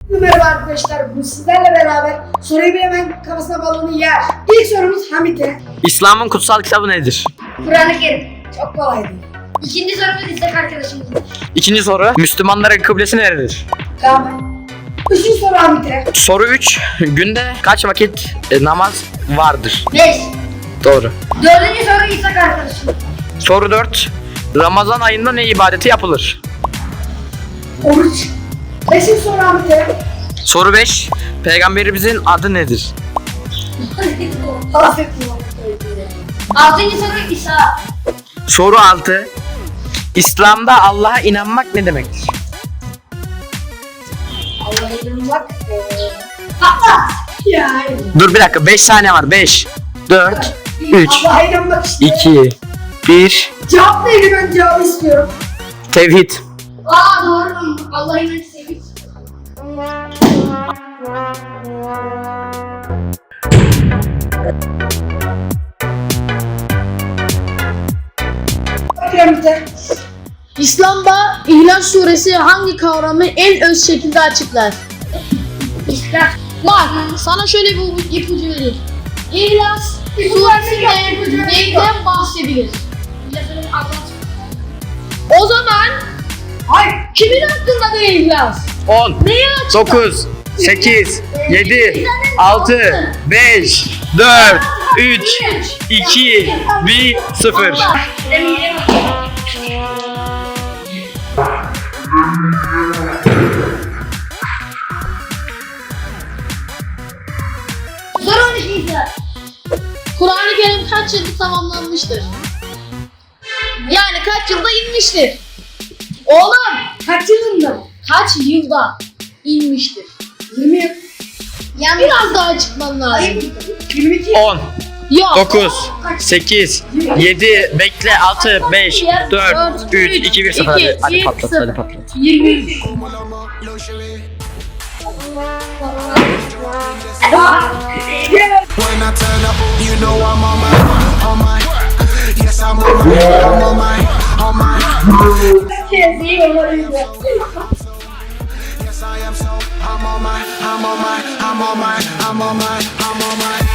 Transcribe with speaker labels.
Speaker 1: Merhaba arkadaşlar, bu sizlerle beraber soruyu bilemeyen kafasına balonu yer. İlk sorumuz Hamit'e.
Speaker 2: İslam'ın kutsal kitabı nedir?
Speaker 1: Kur'an-ı Kerim. Çok kolaydı. İkinci sorumuz İshak arkadaşımızın.
Speaker 2: İkinci soru. Müslümanların kıblesi neredir?
Speaker 1: Tamam. Üçüncü soru Hamit'e.
Speaker 2: Soru 3. Günde kaç vakit namaz vardır?
Speaker 1: 5.
Speaker 2: Doğru.
Speaker 1: Dördüncü soru İshak arkadaşımız.
Speaker 2: Soru 4. Ramazan ayında ne ibadeti yapılır?
Speaker 1: Oruç. Beşinci soru Hamit'e.
Speaker 2: Soru 5. Peygamberimizin adı nedir?
Speaker 1: Bahsettim. Altıncı soru İsa.
Speaker 2: Soru 6. İslam'da Allah'a inanmak ne demektir?
Speaker 1: Allah'a inanmak. Patla. Ya hayır.
Speaker 2: Dur bir dakika, 5 saniye var. 5, 4, 3,
Speaker 1: Allah'a inanmak işte.
Speaker 2: 2, 1.
Speaker 1: Cevap neydi, ben cevabı istiyorum.
Speaker 2: Tevhid.
Speaker 1: Aa doğru. Allah'a inanmak sevdik. Hamit'e.
Speaker 3: İslam'da İhlas Suresi hangi kavramı en öz şekilde açıklar?
Speaker 1: İslam.
Speaker 3: Bak, sana şöyle bir ipucu vereyim. İhlas Suresi'nde neyden bahsedilir? O zaman
Speaker 1: Hayır.
Speaker 3: kimin hakkında ne İhlas?
Speaker 2: 10,
Speaker 3: Neyi açıklar?
Speaker 2: 9, 8, 7, 6, 5, 4, 3, 2, 1, 0.
Speaker 1: Soru 12 İsa.
Speaker 3: Kur'an-ı Kerim kaç yılda tamamlanmıştır? Yani kaç yılda inmiştir? Oğlum,
Speaker 1: Kaç yılında?
Speaker 3: kaç yılda inmiştir?
Speaker 1: 20 yıl.
Speaker 3: Yani biraz daha çıkman lazım.
Speaker 1: Hayır. 22 yıl.
Speaker 2: 10,
Speaker 3: Yok.
Speaker 2: 9, 8, 7, bekle, 6, 5, 4, 3, 2, 1, 0. Hadi patlat, hadi patlat.
Speaker 3: 20.
Speaker 4: When I turn up, you know I'm on my, yes I'm on my.
Speaker 1: Herkes iyi olmalıydı.
Speaker 4: Yes I am so, I'm on my.